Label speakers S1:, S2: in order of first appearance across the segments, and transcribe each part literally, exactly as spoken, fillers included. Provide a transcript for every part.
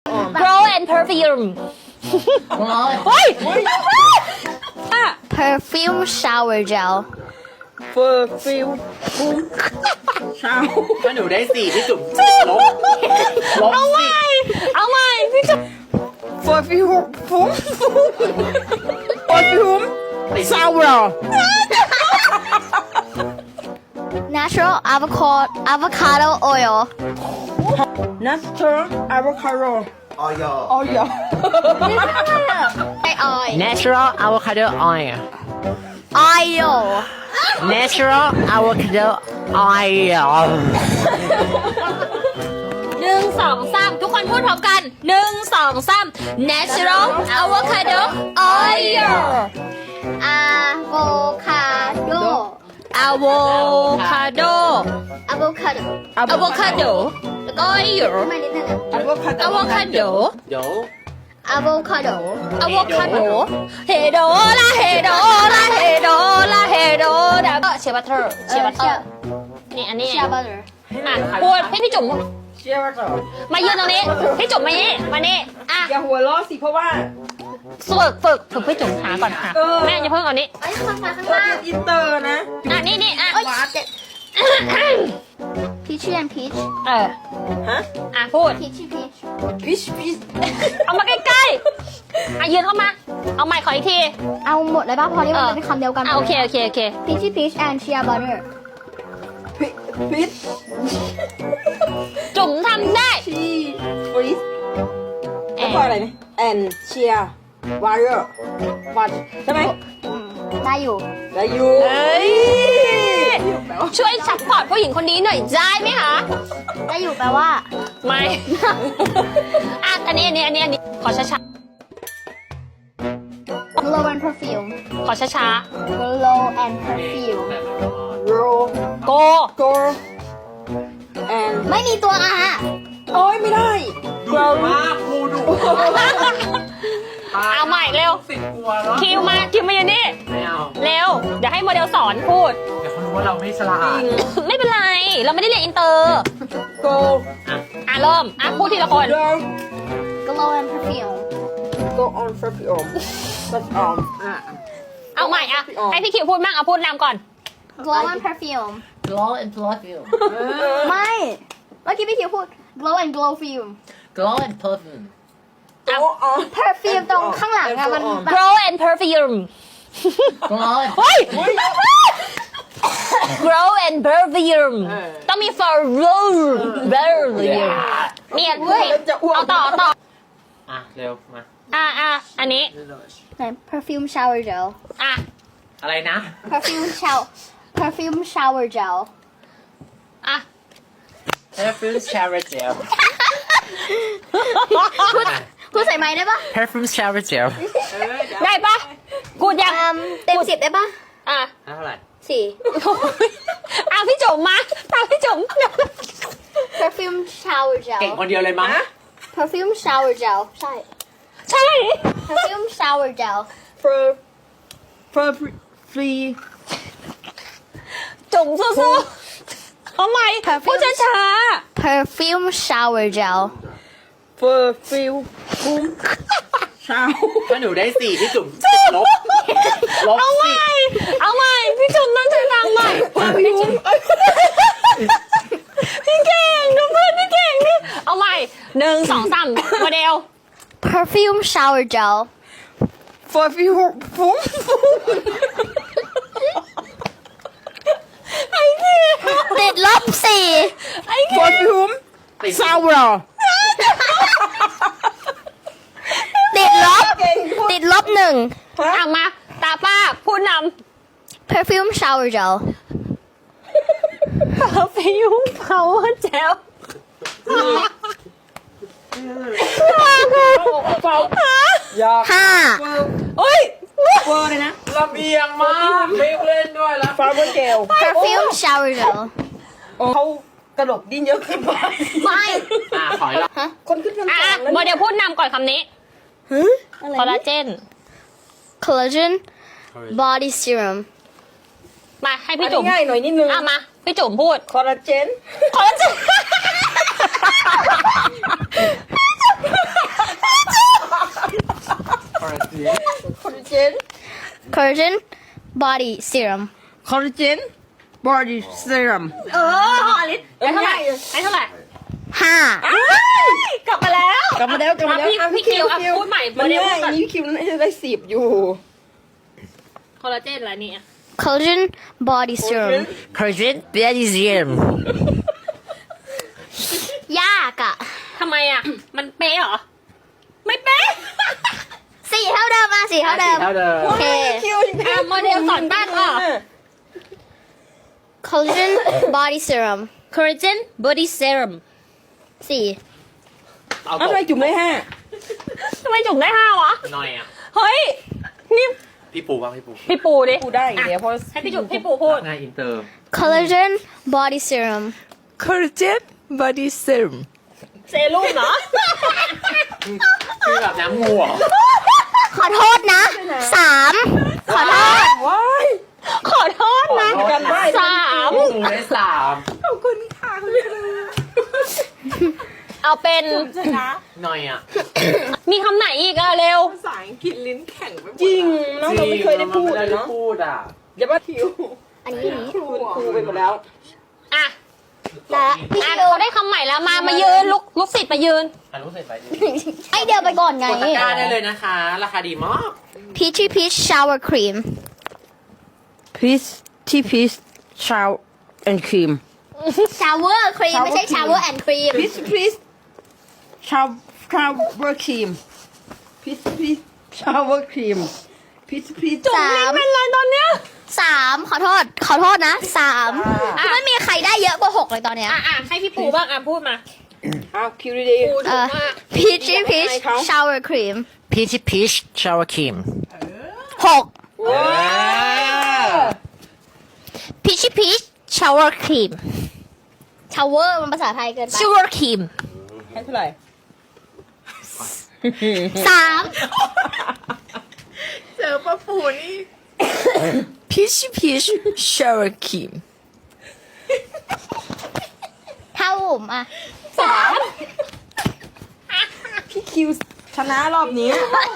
S1: Grow and perfume เฮ้ย
S2: perfume shower gel
S3: เฟอร์ฟิวฟุ้งชาว
S4: ถ้าหนูได้สี่พี่จุ๋มลบลบ
S1: เอาให
S4: สิ
S1: ม่เอาใหม่พี่จุ๊บ
S3: เฟอร์ฟิวฟุ้งเฟอร์ฟิวซาวร์
S2: natural avocado avocado oil
S3: นัสเตอร์อะโวคาโด
S4: ออย
S3: ออยอ
S2: ไอออย
S4: natural avocado oil
S2: oil
S4: natural avocado oil
S1: หนึ่งสองสามทุกคนพูดพร้อมกันหนึ่งสองสาม natural avocado oil
S2: avocado
S1: avocado
S2: avocado
S1: avocado oil
S2: ไม่นิดนึง
S3: อะโวคาโด
S1: avocado
S4: เดี๋ยว
S2: avocado
S1: avocado เฮโดละเฮโดละเฮโดละเฮโดดับเชียร์บัตเตอร์เชียร์บัตเตอร์นี่อันนี้
S2: shea butter
S1: อ่ะพูดให้พี่จุ๋ม
S3: เชื่อว่าจะ
S1: มายืนตรงนี้พี่จุ๋มมานี่มานี่อ่ะ
S3: อย่าหัวล้อสิเพราะว่า
S1: ฝึกฝึกฝึกพี่จุ๋มหาก่อนค่ะ
S3: เออ
S1: แม่อย่าเพิ่งเอานี้
S2: เอ้ยข้างมาข้าง
S3: เรา
S2: ล่าง
S3: เป็นอินเตอร์นะ
S1: อ่ะนี่นี่อ่ะ
S2: เอ้ยเจ็ด peachy and peach
S1: เออ
S3: ฮะ
S1: อ่ะพูด
S2: peachy peach
S3: พิชพิช
S1: เอามาใกล้ๆอ่ะยืนเข้ามา เอาไมค์ขออีกที
S2: เอาหมดเลยป่ะเพอนี่มัน
S1: เออ
S2: เป็นคำเดียวกัน
S1: อ่ะโอเคโอเคโอเค
S2: peachy peach and shea butter
S3: พิพิช
S1: จุ๋มทำได้
S3: ชีฟรีส
S1: แอ
S3: แล้วก็อะไรนะแอนเชียร์วาร์เรอร์วัดใช่ไหม
S2: อืมได้อยู่
S3: ได้อยู่
S1: เอ้ยช่วยซัพพอร์ตผู้หญิงคนนี้หน่อยได้ไหมคะ
S2: ได้อยู่แปลว่า
S1: ไม่ อ่ะอันนี้อันนี้อันนี้อันนี้ขอช้า
S2: glow and perfume
S1: ๆขอช้า
S2: glow and perfume
S3: โร
S1: ๆโก
S3: โกแอน
S2: ไม่มีตัวอะฮะ
S3: โอ้ยไม่ได้
S4: ดุมากครูดุ
S1: เอาใหม่เร็ว
S4: สิบกลัวแล้ว
S1: คิวมาคิวมาอยู่นี่
S4: ไม่เอา
S1: เร็ว เดี๋ยวให้โมเดลสอนพูด
S4: เดี๋ยวเขารู้ว่าเราไม่ฉลาด
S1: ไม่เป็นไร เราไม่ได้เรียนอินเตอร์
S3: โก
S1: อ่ะเริ่ม อ่ะพูดทีละคน
S3: โด
S2: glow and perfume
S3: go on perfume but um อ่ะ
S1: เอาใหม่อ่ะ ให้พี่คิวพูดมั่งเอาพูดนำก่อน
S2: glow and perfume
S4: glow and perfume
S2: ไม่เมื่อกี้พี่คิวพูด glow and glow fume
S4: glow and perfume
S3: go on
S2: perfume ตรงข้างหลังอะมันแบบ
S1: grow and perfume
S4: glow and
S1: เฮ้ย grow and perfume
S3: เออ
S1: ต้องมี for grow perfume เนี่ย
S3: เว้ยจะอ้วก
S1: เอาต่อเอาต่อ
S4: อ่ะเร็วมา
S1: อ่ะอ่ะอันนี้
S2: ไหน perfume shower gel
S1: อ่ะ
S4: อะไรนะ
S2: perfume shower perfume shower gel
S1: อ่ะ
S4: perfume shower gel
S2: พูดพูดใส่ไม้ได้ปะ
S4: perfume shower gel
S1: ได้ปะกูดยัง
S2: อืมเต็มสิบได้ปะ
S1: อ่ะ
S4: เท่าไหร่
S2: สี่
S1: อ่ะพี่จุ๋มมาตามพี่จุ๋ม
S2: perfume shower
S4: เก่ง
S2: gel
S4: คนเดียวเลยมั้ง
S2: perfume shower gel ใช่
S1: ใช่
S2: perfume shower gel
S3: for for free
S1: จุ๋มสู้ๆเอาใหม่พูดช้า
S2: perfume shower gel
S3: for feel ฟุ้งชาว
S4: ถ้าหนูได้สี่พี่จุ๋มลบลบ
S1: ๆเอาให
S4: สิ
S1: ม่เอาใหม่พี่จุ๋มต้องใช้ทางใหม่พี่เก่งดูเพื่อนพี่เก่งนี่เอาใหม่หนึ่งสองสามโมเดล
S2: perfume shower gel
S3: for feel ฟุ้ง
S1: ไอ้เหี้ย
S2: ติดลบสี่
S1: ไอ้
S3: for
S1: เหี้ย
S3: feel sour
S2: ติดลบติดลบหนึ่ง
S1: อ่ะมาตาป้าพูดน
S2: perfume shower gel
S1: ำฟิวเขาเจล
S3: เฝ้าอยาก
S2: ห้า
S1: เฮ้ย
S3: เวอร์เลยนะ
S4: ลำเอียงมากไม่เล่นด้วยแล้ว
S3: ฟาร์เบอร์เจล
S2: perfume shower gel
S3: เขากระดกดิ้นเยอะเกินไป
S2: ไม่
S4: อ่ะขอยละ
S3: คนขึ้นชั้น
S1: อ่ะ
S3: สองแล้ว
S1: โมเดลพูดนำก่อนคำนี้
S3: ฮะ
S1: คอลลาเจน
S2: collagen body serum
S1: มาให้
S3: อั
S1: พี่
S3: น
S1: จุ๋
S3: นี้
S1: ม
S3: ง่ายหน่อยนิดนึง
S1: อ่ะมาพี่จุ๋มพูด
S3: คอลลาเจน
S1: คอลลาเจน
S3: collagen
S1: collagen body serum
S3: collagen body serum
S2: เออหอลิสไอ้เท่าไหร่ไอ้เท่าไหร่
S1: ห้า
S2: กลับมาแล้ว
S3: กลับมาแล้วกลับมาแล้ว
S2: พี่พี่คิวอ่ะพูดใหม่
S3: มัน
S2: โมเดล
S3: ง่าย
S2: พูดก่อน
S3: นี่คิวน่าจะได้สิบอยู่
S2: คอลลาเจนอะไรเนี่ย
S1: collagen body serum
S5: collagen body serum
S1: ยากอะ
S2: ทำไมอ่ะ มันเป๊ะเหรอ ไม่เป๊ะ
S1: สี่เท่าเดิมมาสี่เท่าเดิม
S5: เท่าเดิม
S1: โอเค
S3: คิว
S2: อ่ะโมเดลสอนตั้งอ่ะ
S1: collagen body serum
S2: collagen body serum
S1: สี่
S4: เอา
S3: เอา
S4: ต
S3: ทำ
S4: ก
S3: ไมจุ่มได้ห้า
S2: ทำไมจุ๋มได้ห้าวะ
S4: หน่อยอ่ะ
S2: เฮ้ย นี่
S4: พี่ปูบ้างพี่ปู
S2: พี่ปูดิ
S3: กูได้อีกแล้วเพราะ
S2: ให้พี่จุ๋มพี่ปูพูด
S4: งานอินเตอร์
S1: collagen body serum
S3: collagen body serum
S2: เซรุ่มเหรอ
S4: คือแบบน้ำงูเหรอ
S1: ขอโทษนะ สาม ขอโทษ
S3: ว้าย
S2: ขอโทษนะ
S3: กันได้
S2: สาม
S4: พี่ปูได้สาม
S3: ขอบคุณค่ะคุณครู
S2: เอาเป็น
S4: หน่อยอ่ะ
S2: มีคำไหนอีกอะเร็ว
S3: ภาษาอังกฤษลิ้นแข็งไปหมดจริงน้องเราไม่เคยได้พูด
S4: ไม่
S3: เลย
S4: ได้
S3: เนาะ
S4: พูดอ่ะ
S3: เดี๋ยวว่าทิว
S1: อันนี้อันนี้
S3: คุณครูไปหมดแล้ว
S2: อ่ะ
S1: และพี่
S2: อ่ะ
S1: คิว
S2: เขาได้คำใหม่แล้วมา มายืนลุกลุกสิทธิ์มายืน
S4: อ่ะรู้เสร็จไปดิ
S1: ไอเดียวไปก่อนไง
S4: กดตะกร้าได้เลยนะคะ ราคาดีมาก
S1: peachy peach shower cream
S3: peach tea peach shower and cream
S1: shower cream ไม่ใช่ shower and cream
S3: peach peach shower shower cream peach peach shower cream peach peach
S1: สาม
S2: เป็นไรตอนเนี้ย
S1: สามขอโทษ ขอโทษนะสามคือไม่มีใครได้เยอะกว่าหกเลยตอนเนี้ย
S2: อ่ะอ่ะให้พี่ปูบ้างอ่ะพูดมา
S3: อ้าวคิวดี
S2: ปู
S1: เอ
S2: ถูก
S1: อ
S2: มาก
S1: peachy peach shower cream
S5: peachy peach shower cream
S1: หก
S3: ๆว้าว
S1: peachy peach shower cream shower มันภาษาไทยเกินไป shower cream
S3: ให้เท่าไหร่
S1: สาม
S3: เจอป้าปูนี่ peach peach shower cream
S1: เท่าผมอ่ะ
S2: สาม
S3: พี่คิวชนะรอบนี้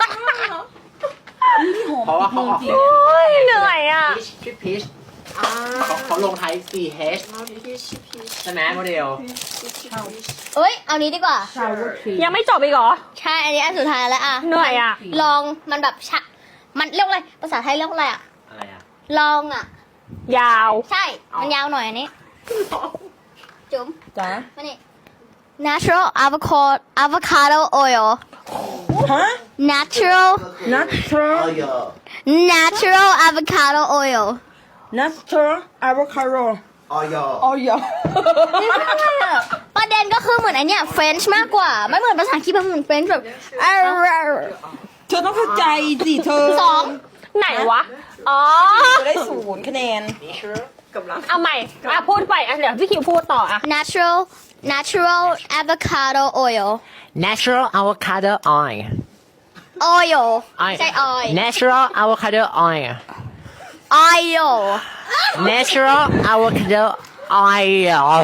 S4: เพราะว่าเขาออก
S2: โอ้ยเหนื่อยอ่ะ
S4: พีชพีชเขาเขาลงท้าย C H ใช่ไหมโมเดล
S1: เอ้ย เอานี้ดีกว่า
S3: shower cream
S2: ยังไม่จบอีกเหรอ
S1: ใช่ อันนี้อันสุดท้ายแล้วอ่ะ
S2: เหนื่อยอ่ะ
S1: ลองมันแบบชะมันเรียกว่าอะไร ภาษาไทยเรียกว่าอะไรอ่ะ
S4: อะไรอ่ะ
S1: ลองอ่ะ
S2: ยาว
S1: ใช่ มันยาวหน่อยอันนี้ จุ๋ม
S3: จ้า
S1: มานี่ natural avocado avocado oil
S3: ฮะ
S1: natural
S3: natural
S1: natural avocado oil
S3: natural avocado
S6: ออย
S3: ออย
S1: ประเด็นก็คือเหมือนไอเนี้ย French มากกว่า ไม่เหมือนภาษาอังกฤษมันเหมือน French แบบ
S3: เธอต้องเข้าใจสิเธอ
S1: สอง
S2: ไหนวะ อ๋อ
S3: จะได้ศูนย์คะแนน
S2: เอาใหม่ อ่ะพูดไปอ่ะเดี๋ยวพี่คิวพูดต่ออ่ะ
S1: natural natural avocado oil
S5: natural avocado oil
S1: oil ไม่
S5: oil
S1: ใช่ oil
S5: natural avocado oil
S1: oil
S5: natural avocado oil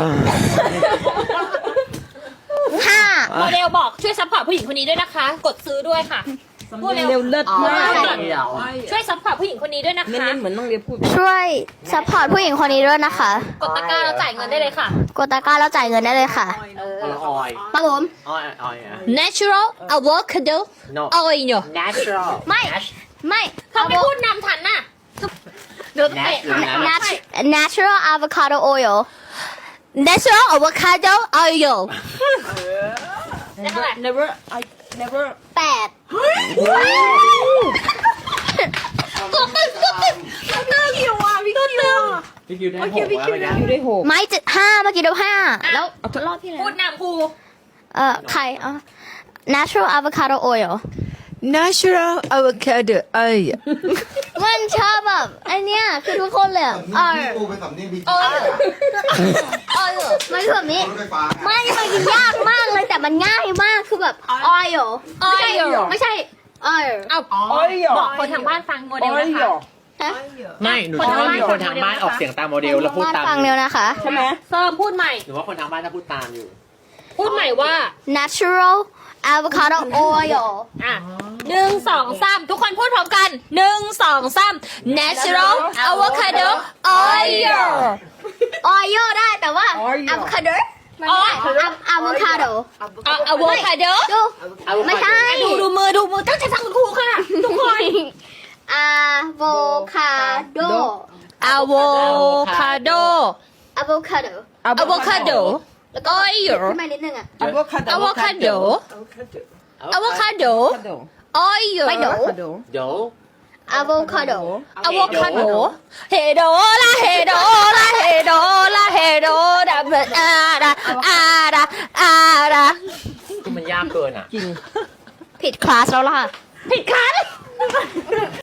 S1: ห้า
S2: โมเดลบอกช่วยซัพพอร์ตผู้หญิงคนนี้ด้วยนะคะ กดซื้อด้วยค่ะพูดเร็ว
S3: เร็วเลิศมาก
S2: ช่วยซัพพอร์ตผู้หญิงคนนี้ด้วยนะคะ
S3: เน้นๆเหมือนน้องเรียนพูด
S1: ช่วยซัพพอร์ตผู้หญิงคนนี้ด้วยนะคะ
S2: กดตะกร้าแล้วจ่ายเงินได้เลยค่ะ
S1: กดตะกร้าแล้วจ่ายเงินได้เลยค่ะ
S4: คนละออย
S1: ครับผม
S4: ออยออยอ่ะ
S2: natural avocado
S4: no
S2: oil
S5: natural
S1: ไม่ ไม่
S2: เขาไม่พูดนำทันน่ะเดี๋ยวเตะ
S5: Natural
S1: Nat- natural avocado oil natural avocado oil
S2: ได้เท่าไหร่
S3: never I never
S1: แปด
S2: ก็ตึกก็ตึก
S3: พี่คิวอ่ะพี่คิว
S4: พี่คิวได้หกแล้วเมื่อกี้
S3: คิวได้หก
S1: ไม่เจ็ดห้าเมื่อกี้เดียวห้าแล้วรอบที่แล้ว
S2: พูดนำครู
S1: เอ่อใครอ่ะ natural avocado oil
S3: natural avocado oil
S1: มันชอบแบบอันเนี้ยคือทุกคนเลยอ่ะเออ
S6: กูเป็นสำเนียงบี
S1: เออเออมันคือแบบนี้
S6: รถไฟฟ้า
S1: ไม่มันกินยากมากเลยแต่มันง่ายมากคือแบบ oil ไม่ใช่
S2: oil
S1: ไม่ใช่ oil
S2: เอา
S3: oil
S2: บอกคนทางบ้านฟังโมเดลนะคะ
S3: oil
S1: ฮะ
S5: ไม่หนูชอบมีคนทางบ้านออกเสียงตามโมเดลแล้วพูดตาม
S1: ฟังเร็วนะคะ
S3: ใช่ไหม
S2: เซิร์มพูดใหม่
S4: หนูว่าคนทางบ้านถ้าพูดตามอยู่
S2: พูดใหม่ว่า
S1: natural avocado oil
S2: อ่ะหนึ่งสองสามทุกคนพูดพร้อมกันหนึ่งสองสาม natural avocado oil
S1: oil ได้แต่ว่า
S3: Oil
S1: avocado มันไม่ได้ Av- avocado
S2: อ่ะ avocado
S1: ดู ไม่ใช่
S2: ดูดูมือดูมือตั้งใจฟังคุณครูค่ะ ทุกคน
S1: avocado
S2: avocado
S1: avocado
S2: avocado
S1: แล้วก็
S2: oil
S1: ขึ้นมานิดนึงอ่ะ
S3: avocado
S2: avocado avocado oil
S1: ไม่โด
S3: avocado
S4: เดี๋ยว
S1: avocado
S2: avocado เฮโดละเฮโดละเฮโดละเฮโดดาบอาดาอาดาอาดา
S4: คือมันยากเกินอ่ะ
S3: จริง
S1: ผิดคลาสแล้วล่ะ
S2: ผิดคัน